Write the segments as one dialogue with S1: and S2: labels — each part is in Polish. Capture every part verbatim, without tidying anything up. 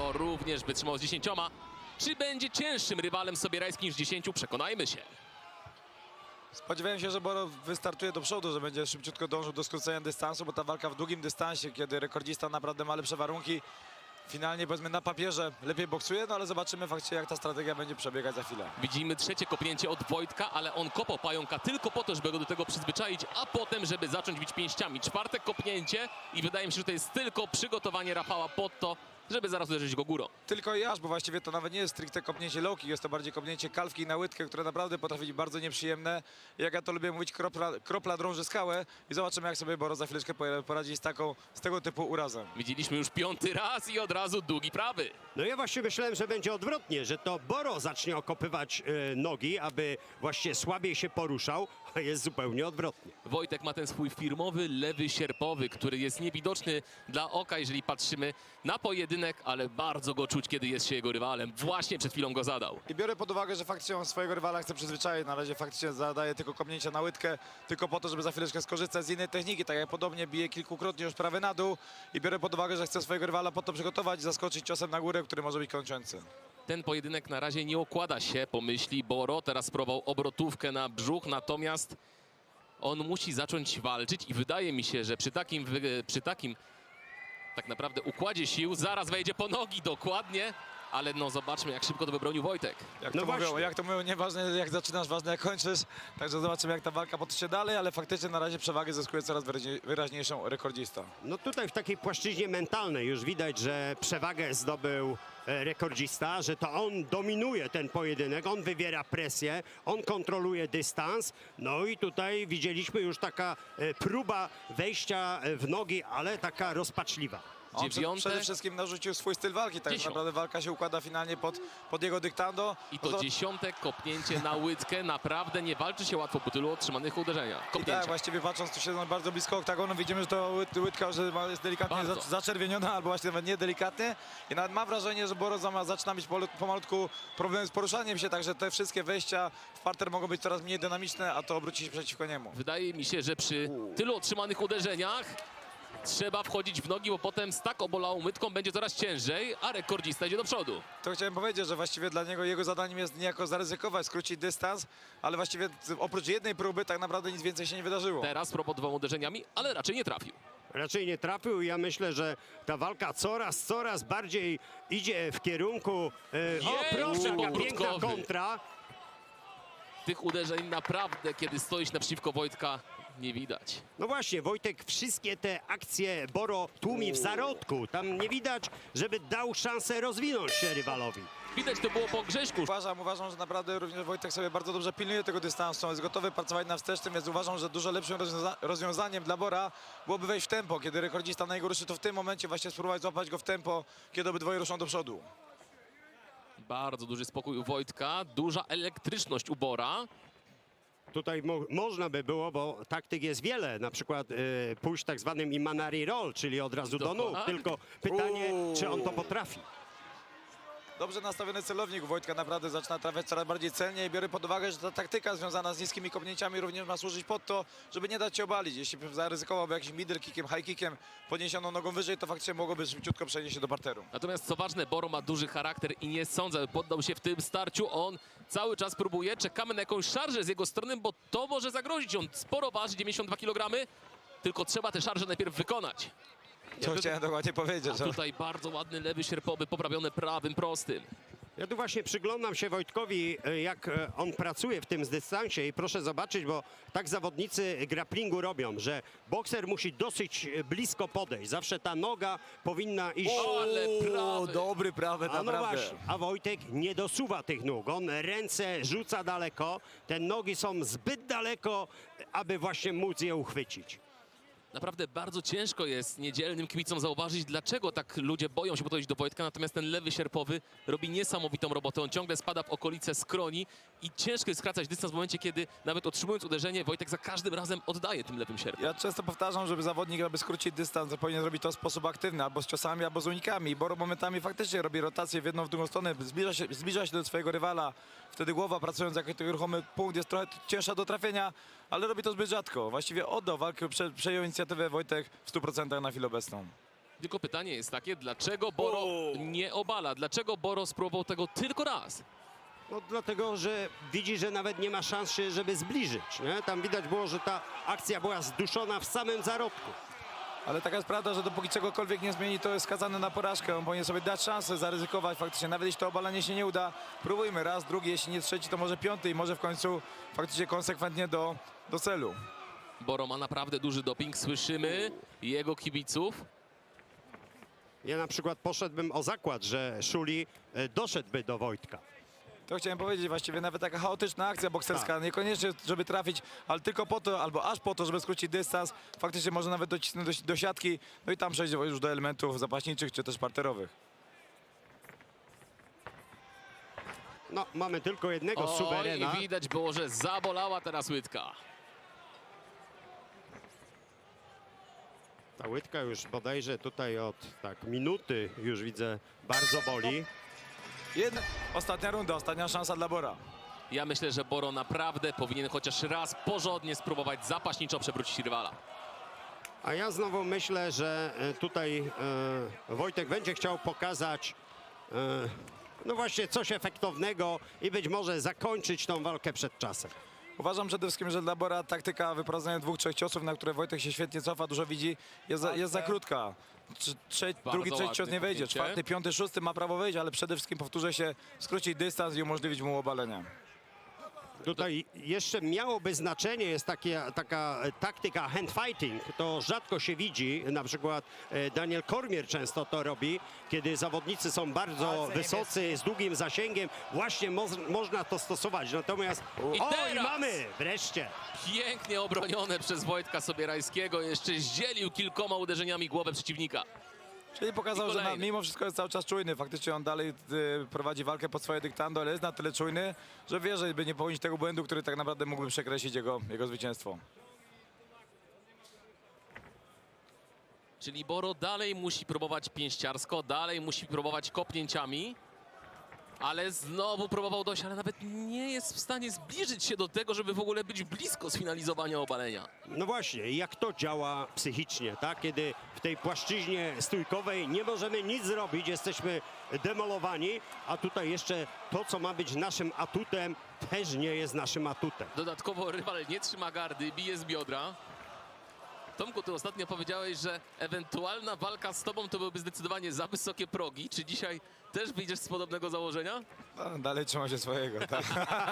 S1: Boro również wytrzymał z dziesięcioma. Czy będzie cięższym rywalem sobierajskim niż dziesięciu? Przekonajmy się.
S2: Spodziewałem się, że Boro wystartuje do przodu, że będzie szybciutko dążył do skrócenia dystansu, bo ta walka w długim dystansie, kiedy rekordzista naprawdę ma lepsze warunki, finalnie powiedzmy na papierze lepiej boksuje, no ale zobaczymy faktycznie, jak ta strategia będzie przebiegać za chwilę.
S1: Widzimy trzecie kopnięcie od Wojtka, ale on kopał pająka tylko po to, żeby go do tego przyzwyczaić, a potem, żeby zacząć bić pięściami. Czwarte kopnięcie i wydaje mi się, że to jest tylko przygotowanie Rafała pod to, żeby zaraz uderzyć go górą.
S2: Tylko i aż, bo właściwie to nawet nie jest stricte kopnięcie low kick, jest to bardziej kopnięcie kalwki na łydkę, które naprawdę potrafi być bardzo nieprzyjemne. Jak ja to lubię mówić, kropla, kropla drąży skałę i zobaczymy, jak sobie Boro za chwileczkę poradzi z taką, z tego typu urazem.
S1: Widzieliśmy już piąty raz i od razu długi prawy.
S3: No ja właśnie myślałem, że będzie odwrotnie, że to Boro zacznie okopywać e, nogi, aby właśnie słabiej się poruszał, a jest zupełnie odwrotnie.
S1: Wojtek ma ten swój firmowy lewy sierpowy, który jest niewidoczny dla oka, jeżeli patrzymy na pojedynek, ale bardzo go czuć, kiedy jest się jego rywalem. Właśnie przed chwilą go zadał.
S2: I biorę pod uwagę, że faktycznie on swojego rywala chce przyzwyczaić. Na razie faktycznie zadaje tylko kopnięcia na łydkę, tylko po to, żeby za chwileczkę skorzystać z innej techniki. Tak jak podobnie bije kilkukrotnie już prawy na dół. I biorę pod uwagę, że chce swojego rywala po to przygotować i zaskoczyć ciosem na górę, który może być kończący.
S1: Ten pojedynek na razie nie układa się, pomyśli Boro. Teraz spróbował obrotówkę na brzuch, natomiast on musi zacząć walczyć i wydaje mi się, że przy takim, przy takim tak naprawdę układzie sił zaraz wejdzie po nogi dokładnie, ale no zobaczmy, jak szybko to wybronił Wojtek.
S2: Jak
S3: No
S2: to mówią,
S3: właśnie.
S2: jak to mówią, nieważne jak zaczynasz, ważne jak kończysz. Także zobaczymy, jak ta walka potoczy się dalej, ale faktycznie na razie przewagę zyskuje coraz wyraźniej- wyraźniejszą rekordzista.
S3: No tutaj w takiej płaszczyźnie mentalnej już widać, że przewagę zdobył e, rekordzista, że to on dominuje ten pojedynek, on wywiera presję, on kontroluje dystans. No i tutaj widzieliśmy już taka e, próba wejścia e, w nogi, ale taka rozpaczliwa.
S2: On przed,
S1: Dziewiąte.
S2: przede wszystkim narzucił swój styl walki, tak
S1: Dziesiąt.
S2: naprawdę walka się układa finalnie pod, pod jego dyktando.
S1: I to
S2: No
S1: dziesiąte kopnięcie na łydkę. Naprawdę nie walczy się łatwo po tylu otrzymanych uderzeniach.
S2: I
S1: Kopnięcia.
S2: tak, właściwie patrząc, tu siedzą bardzo blisko oktagonu, widzimy, że to ły- łydka że ma- jest delikatnie
S1: Bardzo.
S2: za- zaczerwieniona, albo właśnie nawet nie delikatnie. I nawet mam wrażenie, że Boro zama- zaczyna mieć polu- pomalutku problem z poruszaniem się, także te wszystkie wejścia w parter mogą być coraz mniej dynamiczne, a to obróci się przeciwko niemu.
S1: Wydaje mi się, że przy tylu otrzymanych uderzeniach trzeba wchodzić w nogi, bo potem z tak obolałą łydką będzie coraz ciężej, a rekordzista idzie do przodu.
S2: To chciałem powiedzieć, że właściwie dla niego jego zadaniem jest niejako zaryzykować, skrócić dystans, ale właściwie oprócz jednej próby tak naprawdę nic więcej się nie wydarzyło.
S1: Teraz propos dwoma uderzeniami, ale raczej nie trafił.
S3: Raczej nie trafił i ja myślę, że ta walka coraz, coraz bardziej idzie w kierunku... E, o,
S1: Jej,
S3: proszę, jaka
S1: obrótkowy.
S3: piękna kontra.
S1: Tych uderzeń naprawdę, kiedy stoisz naprzeciwko Wojtka, nie widać.
S3: No właśnie, Wojtek wszystkie te akcje Boro tłumi w zarodku. Tam nie widać, żeby dał szansę rozwinąć się rywalowi.
S1: Widać to było po Grześku.
S2: Uważam, uważam, że naprawdę również Wojtek sobie bardzo dobrze pilnuje tego dystansu, jest gotowy pracować na wstecznym, więc uważam, że dużo lepszym rozwiąza rozwiązaniem dla Bora byłoby wejść w tempo. Kiedy rekordzista na niego ruszy, to w tym momencie właśnie spróbować złapać go w tempo, kiedy obydwoje ruszą do przodu.
S1: Bardzo duży spokój u Wojtka, duża elektryczność u Bora.
S3: Tutaj mo można by było, bo taktyk jest wiele, na przykład y, pójść tak zwanym Imanari Roll, czyli od razu do nóg.
S1: Dokładnie.
S3: Tylko pytanie,
S2: Uuu.
S3: czy on to potrafi.
S2: Dobrze nastawiony celownik u Wojtka naprawdę zaczyna trafiać coraz bardziej celnie i biorę pod uwagę, że ta taktyka związana z niskimi kopnięciami również ma służyć pod to, żeby nie dać się obalić. Jeśli zaryzykowałby jakimś middle kickiem, high kickiem, podniesioną nogą wyżej, to faktycznie mogłoby szybciutko przenieść się do parteru.
S1: Natomiast co ważne, Boro ma duży charakter i nie sądzę, by poddał się w tym starciu. On cały czas próbuje, czekamy na jakąś szarżę z jego strony, bo to może zagrozić. On sporo waży, dziewięćdziesiąt dwa kilogramy, tylko trzeba tę szarżę najpierw wykonać.
S2: Co chciałem dokładnie powiedzieć.
S1: A
S2: że-
S1: tutaj bardzo ładny lewy sierpowy, poprawiony prawym prostym.
S3: Ja tu właśnie przyglądam się Wojtkowi, y, jak y, on pracuje w tym dystansie i proszę zobaczyć, bo tak zawodnicy grapplingu robią, że bokser musi dosyć y, blisko podejść. Zawsze ta noga powinna iść...
S1: O, ale prawy.
S2: dobry prawy,
S3: A no
S2: naprawdę.
S3: właśnie, a Wojtek nie dosuwa tych nóg. On ręce rzuca daleko, te nogi są zbyt daleko, aby właśnie móc je uchwycić.
S1: Naprawdę bardzo ciężko jest niedzielnym kibicom zauważyć, dlaczego tak ludzie boją się podejść do Wojtka, natomiast ten lewy sierpowy robi niesamowitą robotę. On ciągle spada w okolice skroni i ciężko jest skracać dystans w momencie, kiedy nawet otrzymując uderzenie, Wojtek za każdym razem oddaje tym lewym sierpem.
S2: Ja często powtarzam, żeby zawodnik, aby skrócić dystans, to powinien robić to w sposób aktywny, albo z ciosami, albo z unikami. Boro momentami faktycznie robi rotację w jedną, w drugą stronę, zbliża się, zbliża się do swojego rywala. Wtedy głowa, pracując jako ten ruchomy punkt, jest trochę cięższa do trafienia, ale robi to zbyt rzadko. Właściwie oddał walkę, prze, przejął inicjatywę Wojtek w stu procentach na chwilę obecną.
S1: Tylko pytanie jest takie, dlaczego Boro
S2: O!
S1: nie obala? Dlaczego Boro spróbował tego tylko raz?
S3: No dlatego, że widzi, że nawet nie ma szans się, żeby zbliżyć. Nie? Tam widać było, że ta akcja była zduszona w samym zarodku.
S2: Ale taka jest prawda, że dopóki czegokolwiek nie zmieni, to jest skazany na porażkę. On powinien sobie dać szansę, zaryzykować faktycznie. Nawet jeśli to obalenie się nie uda, próbujmy raz, drugi, jeśli nie trzeci, to może piąty i może w końcu faktycznie konsekwentnie do, do celu.
S1: Boro ma naprawdę duży doping, słyszymy jego kibiców.
S3: Ja na przykład poszedłbym o zakład, że Szuli e, doszedłby do Wojtka.
S2: To chciałem powiedzieć, właściwie nawet taka chaotyczna akcja bokserska,
S3: Tak.
S2: niekoniecznie żeby trafić, ale tylko po to, albo aż po to, żeby skrócić dystans, faktycznie może nawet docisnąć do, do siatki, no i tam przejść już do elementów zapaśniczych czy też parterowych.
S3: No, mamy tylko jednego
S1: Oj,
S3: suwerena.
S1: widać było, że zabolała teraz łydka.
S3: Ta łydka już bodajże tutaj od tak minuty już widzę bardzo boli.
S2: Jedna, ostatnia runda, ostatnia szansa dla Bora.
S1: Ja myślę, że Boro naprawdę powinien chociaż raz porządnie spróbować zapaśniczo przewrócić rywala.
S3: A ja znowu myślę, że e, tutaj e, Wojtek będzie chciał pokazać e, no właśnie coś efektownego i być może zakończyć tą walkę przed czasem.
S2: Uważam przede wszystkim, że dla Bora taktyka wyprowadzenia dwóch, trzech ciosów, na które Wojtek się świetnie cofa, dużo widzi, jest za, jest za krótka. Trze, trze, drugi, trzeci cios
S1: ładne
S2: nie wejdzie,
S1: kopnięcie.
S2: czwarty, piąty, szósty ma prawo wejść, ale przede wszystkim powtórzę się, skrócić dystans i umożliwić mu obalenie.
S3: Tutaj jeszcze miałoby znaczenie, jest takie, taka taktyka hand fighting, to rzadko się widzi, na przykład e, Daniel Cormier często to robi, kiedy zawodnicy są bardzo wysocy, z długim zasięgiem, właśnie mo można to stosować, natomiast
S1: I
S3: o i
S1: teraz!
S3: mamy, wreszcie.
S1: Pięknie obronione przez Wojtka Sobierajskiego. Jeszcze zdzielił kilkoma uderzeniami głowę przeciwnika.
S2: Czyli pokazał,
S1: I
S2: że na,
S1: kolejny.
S2: mimo wszystko jest cały czas czujny. Faktycznie on dalej y, prowadzi walkę pod swoje dyktando, ale jest na tyle czujny, że wie, że by nie popełnić tego błędu, który tak naprawdę mógłby przekreślić jego, jego zwycięstwo.
S1: Czyli Boro dalej musi próbować pięściarsko, dalej musi próbować kopnięciami. Ale znowu próbował dojść, ale nawet nie jest w stanie zbliżyć się do tego, żeby w ogóle być blisko sfinalizowania obalenia.
S3: No właśnie, jak to działa psychicznie, tak? Kiedy w tej płaszczyźnie stójkowej nie możemy nic zrobić, jesteśmy demolowani, a tutaj jeszcze to, co ma być naszym atutem, też nie jest naszym atutem.
S1: Dodatkowo rywal nie trzyma gardy, bije z biodra. Tomku, ty ostatnio powiedziałeś, że ewentualna walka z tobą to byłyby zdecydowanie za wysokie progi. Czy dzisiaj też wyjdziesz z podobnego założenia?
S2: No, dalej trzyma się swojego. Tak.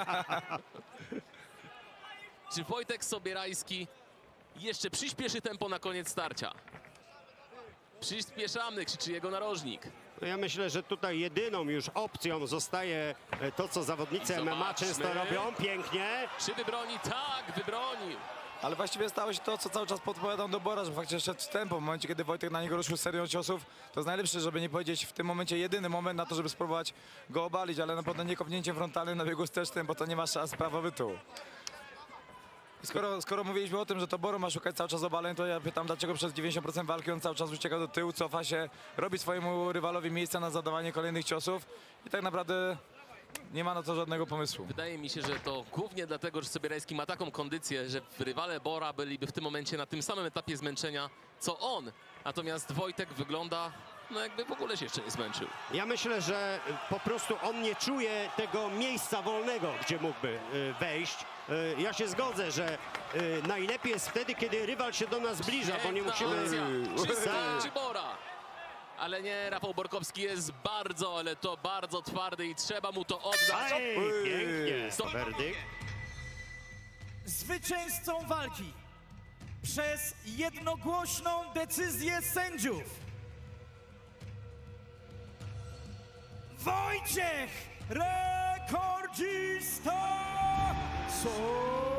S1: Czy Wojtek Sobierajski jeszcze przyspieszy tempo na koniec starcia? Przyspieszamy, krzyczy jego narożnik.
S3: No ja myślę, że tutaj jedyną już opcją zostaje e, to, co zawodnicy
S1: I
S3: M M A
S1: zobaczmy.
S3: często robią, pięknie.
S1: Czy wybroni? Tak, wybronił.
S2: Ale właściwie stało się to, co cały czas podpowiadam do Bora, że faktycznie szedł w tempo. W momencie, kiedy Wojtek na niego ruszył serią ciosów, to jest najlepszy, żeby nie powiedzieć w tym momencie jedyny moment na to, żeby spróbować go obalić, ale na pewno nie kopnięciem frontalnym na biegu wstecznym, bo to nie ma szans prawa bytu. I Skoro, skoro mówiliśmy o tym, że to Boro ma szukać cały czas obaleń, to ja pytam, dlaczego przez dziewięćdziesiąt procent walki on cały czas ucieka do tyłu, cofa się, robi swojemu rywalowi miejsca na zadawanie kolejnych ciosów i tak naprawdę nie ma na to żadnego pomysłu.
S1: Wydaje mi się, że to głównie dlatego, że Sobierajski ma taką kondycję, że rywale Bora byliby w tym momencie na tym samym etapie zmęczenia, co on. Natomiast Wojtek wygląda, no jakby w ogóle się jeszcze nie zmęczył.
S3: Ja myślę, że po prostu on nie czuje tego miejsca wolnego, gdzie mógłby e, wejść. E, Ja się zgodzę, że e, najlepiej jest wtedy, kiedy rywal się do nas zbliża, bo nie
S1: Piękna
S3: musimy...
S1: akcja. Czy
S3: Tak.
S1: skończy Bora? Ale nie, Rafał Borkowski jest bardzo, ale to bardzo twardy i trzeba mu to oddać.
S3: Aj, pięknie.
S1: Stop.
S3: Werdykt.
S4: Zwycięzcą walki przez jednogłośną decyzję sędziów Wojciech Rekordzista Sobierajski.